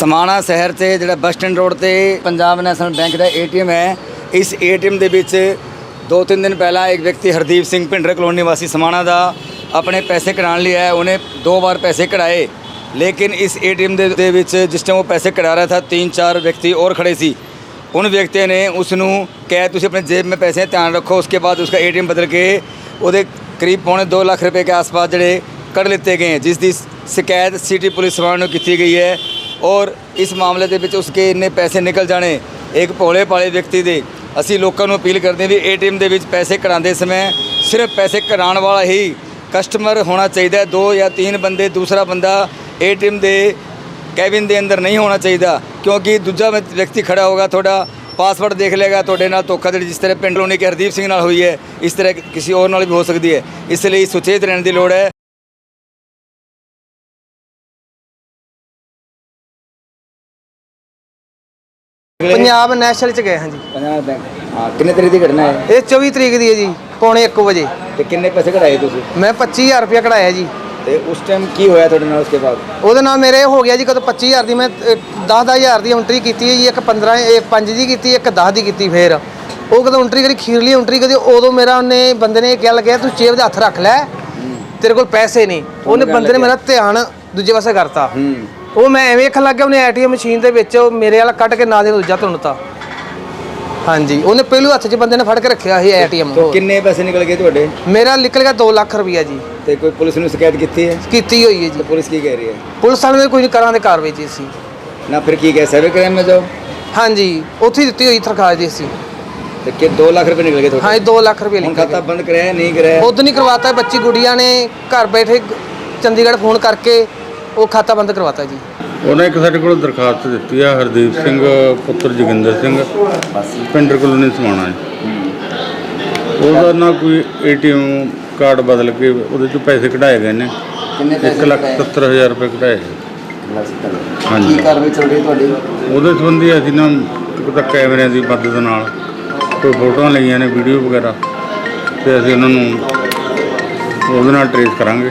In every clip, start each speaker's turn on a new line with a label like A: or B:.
A: समाणा शहर से जो बस स्टैंड रोड से पंजाब नैशनल बैंक का ATM है। इस ATM के विच 2-3 दिन पहला एक व्यक्ति हरदीप सिंह भिंडर कलोनी निवासी समाणा का अपने पैसे कढ़ाने लिया है। उन्हें 2 बार पैसे कढ़ाए, लेकिन इस ATM दे विच जिस टाइम वो पैसे कढ़ा रहा था 3-4 व्यक्ति और खड़े सी। उन व्यक्तियों ने उसनू कहा तुम अपने जेब में पैसे ध्यान रखो। उसके बाद उसका ATM बदल के वो करीब 2.25 लाख रुपए के आसपास जड़े कढ़ लेते गए हैं, जिसकी शिकायत सिटी पुलिस समाणा को की गई है। और इस मामले के विच उसके इन्ने पैसे निकल जाने एक भोले भाले व्यक्ति दे असी लोगों को अपील करते हैं भी ATM दे विच पैसे कढ़ाते समय सिर्फ पैसे कढ़ाने वाला ही कस्टमर होना चाहिए। 2 या 3 बंदे, दूसरा बंदा ATM दे कैबिन के अंदर नहीं होना चाहिए, क्योंकि दूजा व्यक्ति खड़ा होगा थोड़ा पासवर्ड देख लेगा, थोड़े नाल धोखाधड़ी जिस तरह पिंड कलोनी के हरदीप सिंह नाल हुई है इस तरह किसी और नाल भी हो सकती है। इसलिए सुचेत रहने की लोड़ है।
B: पंजाब नैशनल च गए हाँ जी।
A: पंजाब बैंक हाँ, कितने तरीक की घटना है?
B: ये 24 तरीक दी है जी, 12:45 बजे।
A: तो कितने पैसे कढ़ाए तुसीं?
B: मैं 25,000 रुपया कढ़ाया जी।
A: ते उस टाइम की होया तुहाडे नाल? उसके बाद
B: ਉਹਦੇ ਨਾਲ ਮੇਰੇ ਹੋ ਗਿਆ ਜੀ, ਕਦੋਂ 25,000 ਦੀ ਮੈਂ 10,000 ਦੀ ਐਂਟਰੀ ਕੀਤੀ ਹੈ ਜੀ, ਇੱਕ 5 ਦੀ ਕੀਤੀ, ਇੱਕ 10 ਦੀ ਕੀਤੀ। ਫਿਰ ਉਹ ਕਦੋਂ ਐਂਟਰੀ ਕਰੀ ਖੀਰਲੀ ਐਂਟਰੀ ਕਰੀ, ਉਦੋਂ ਮੇਰਾ ਉਹਨੇ ਬੰਦੇ ਨੇ ਕਿਹਾ ਲੱਗਿਆ ਤੂੰ ਜੇਬ ਦੇ ਹੱਥ ਰੱਖ ਲੈ, ਤੇਰੇ ਕੋਲ ਪੈਸੇ ਨਹੀਂ। ਉਹਨੇ ਬੰਦੇ ਨੇ ਮੇਰਾ ਧਿਆਨ ਦੂਜੇ ਪਾਸੇ ਕਰਤਾ। ਉਹ ਮੈਂ ਐਵੇਂ ਵੇਖਣ ਲੱਗ ਗਿਆ, ਉਹਨੇ ATM ਮਸ਼ੀਨ ਦੇ ਵਿੱਚ ਮੇਰੇ ਵਾਲਾ ਕੱਢ ਕੇ ਨਾਲ ਦੇ ਦੂਜਾ ਧੁੰਨਤਾ। ਹਾਂਜੀ, ਉਹਨੇ ਪਹਿਲੂ ਹੱਥ 'ਚ ਬੰਦੇ ਨੇ ਫੜ ਕੇ ਰੱਖਿਆ ਸੀ ATM।
A: तो किन्ने पैसे निकल गए ਤੁਹਾਡੇ?
B: ਮੇਰਾ ਨਿਕਲ ਗਿਆ 2 ਲੱਖ ਰੁਪਇਆ ਜੀ।
A: ਤੇ ਕੋਈ ਪੁਲਿਸ ਨੂੰ ਸ਼ਿਕਾਇਤ ਕੀਤੀ ਹੈ?
B: ਕੀਤੀ ਹੋਈ ਹੈ ਜੀ।
A: ਤੇ ਪੁਲਿਸ ਕੀ ਕਹਿ ਰਹੀ ਹੈ?
B: ਪੁਲਿਸ ਵਾਲੇ ਨੇ ਕੋਈ ਨਹੀਂ ਕਰਾਂਦੇ ਕਾਰਵਾਈ ਜੀ ਸੀ
A: ਨਾ ਫਿਰ ਕੀ ਕਹੇ ਸਾਈਬਰ ਕ੍ਰਾਈਮ में ਜਾਓ?
B: ਹਾਂਜੀ, ਉੱਥੇ ਹੀ ਦਿੱਤੀ ਹੋਈ ਦਰਖਾਸਤ ਜੀ ਸੀ।
A: ਤੇ ਕਿ 2 ਲੱਖ ਰੁਪਏ ਨਿਕਲ ਗਏ ਤੁਹਾਡੇ?
B: ਹਾਂ, 2 ਲੱਖ ਰੁਪਏ
A: ਹੁਣ
B: ਲਿਖਿਆ
A: ਖਾਤਾ ਬੰਦ ਕਰਾਇਆ ਨਹੀਂ ਕਰਾਇਆ?
B: ਖੁਦ ਨਹੀਂ ਕਰਵਾਤਾ। ਬੱਚੀ ਗੁੜੀਆਂ ਨੇ ਘਰ ਬੈਠੇ ਚੰਡੀਗੜ੍ਹ ਫੋਨ ਕਰਕੇ ਉਹ ਖਾਤਾ ਬੰਦ ਕਰਵਾਤਾ ਜੀ।
C: ਉਹਨੇ ਇੱਕ ਸਾਡੇ ਕੋਲ ਦਰਖਾਸਤ ਦਿੱਤੀ ਆ, ਹਰਦੀਪ ਸਿੰਘ ਪੁੱਤਰ ਜੋਗਿੰਦਰ ਸਿੰਘ ਪਿੰਡਰ ਕਲੋਨੀ ਸਮਾਣਾ ਜੀ। ਉਹਦਾ ਨਾ ਕੋਈ ATM ਕਾਰਡ ਬਦਲ ਕੇ ਉਹਦੇ ਚੋਂ ਪੈਸੇ ਕਢਾਏ ਗਏ ਨੇ।
A: ਕਿੰਨੇ ਪੈਸੇ?
C: 1,70,000 ਰੁਪਏ ਕਢਾਏ ਗਏ। ਹਾਂਜੀ।
A: ਕੀ ਕਾਰਵਾਈ ਚੱਲ ਰਹੀ ਤੁਹਾਡੀ?
C: ਉਹਦੇ ਸੰਬੰਧੀ ਅਸੀਂ ਨਾ ਇੱਕ ਤਾਂ ਕੈਮਰਿਆਂ ਦੀ ਮਦਦ ਨਾਲ ਕੋਈ ਫੋਟੋਆਂ ਲਈਆਂ ਨੇ, ਵੀਡੀਓ ਵਗੈਰਾ, ਤੇ ਅਸੀਂ ਉਹਨਾਂ ਨੂੰ ਉਹਦੇ ਨਾਲ ਟਰੇਸ ਕਰਾਂਗੇ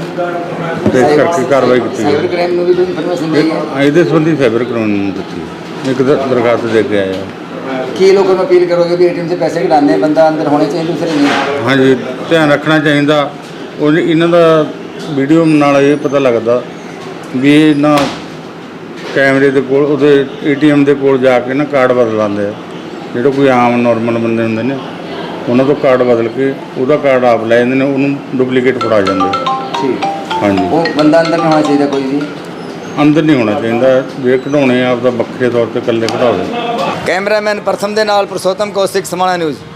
C: ਤੇ ਇਸ ਕਰਕੇ ਕਾਰਵਾਈ ਕੀਤੀ
A: ਸਾਈਬਰ
C: ਜਾਵੇ।
A: ਕ੍ਰਾਈਮ ਨੂੰ ਵੀ ਕੋਈ ਇਨਫੋਰਮੇਸ਼ਨ ਦੇਈ ਹੈ?
C: ਇਹਦੇ ਸੰਬੰਧੀ ਸਾਈਬਰ ਕਰਾਉਣ ਨੂੰ ਦਿੱਤੀ ਇੱਕ ਦਰਖਾਸਤ ਦੇ ਕੇ ਆਇਆ।
A: ਕੀ ਲੋਕਾਂ ਨੂੰ ਅਪੀਲ ਕਰੋਗੇ ਵੀ ATM से पैसे कढ़ाने बंदा अंदर होने चाहिए, दूसरे नहीं?
C: ਹਾਂਜੀ, ਧਿਆਨ ਰੱਖਣਾ ਚਾਹੀਦਾ। ਉਹ ਇਹਨਾਂ ਦਾ ਵੀਡੀਓ ਨਾਲ ਇਹ ਪਤਾ ਲੱਗਦਾ ਵੀ ਇਹ ਨਾ ਕੈਮਰੇ ਦੇ ਕੋਲ ਉਹਦੇ ATM ਦੇ ਕੋਲ ਜਾ ਕੇ ਨਾ ਕਾਰਡ ਬਦਲ ਲਾਉਂਦੇ ਆ। ਜਿਹੜੇ ਕੋਈ ਆਮ ਨੋਰਮਲ ਬੰਦੇ ਹੁੰਦੇ ਨੇ ਉਹਨਾਂ ਤੋਂ ਕਾਰਡ ਬਦਲ ਕੇ ਉਹਦਾ ਕਾਰਡ ਆਪ ਲੈ ਜਾਂਦੇ ਨੇ, ਉਹਨੂੰ ਡੁਪਲੀਕੇਟ ਫੜਾ ਜਾਂਦੇ।
A: ठीक
C: ਹਾਂਜੀ,
A: वो बंदा अंदर नहीं होना चाहिए कोई भी?
C: ਅੰਦਰ ਨਹੀਂ ਹੋਣਾ ਚਾਹੀਦਾ। ਜੇ ਕਢਾਉਣੇ ਆਪ ਦਾ ਵੱਖਰੇ ਤੌਰ ਤੇ ਇਕੱਲੇ ਕਢਾਓ।
A: कैमरामैन प्रथम दे नाल पुरुषोत्तम कौशिक समाणा न्यूज़।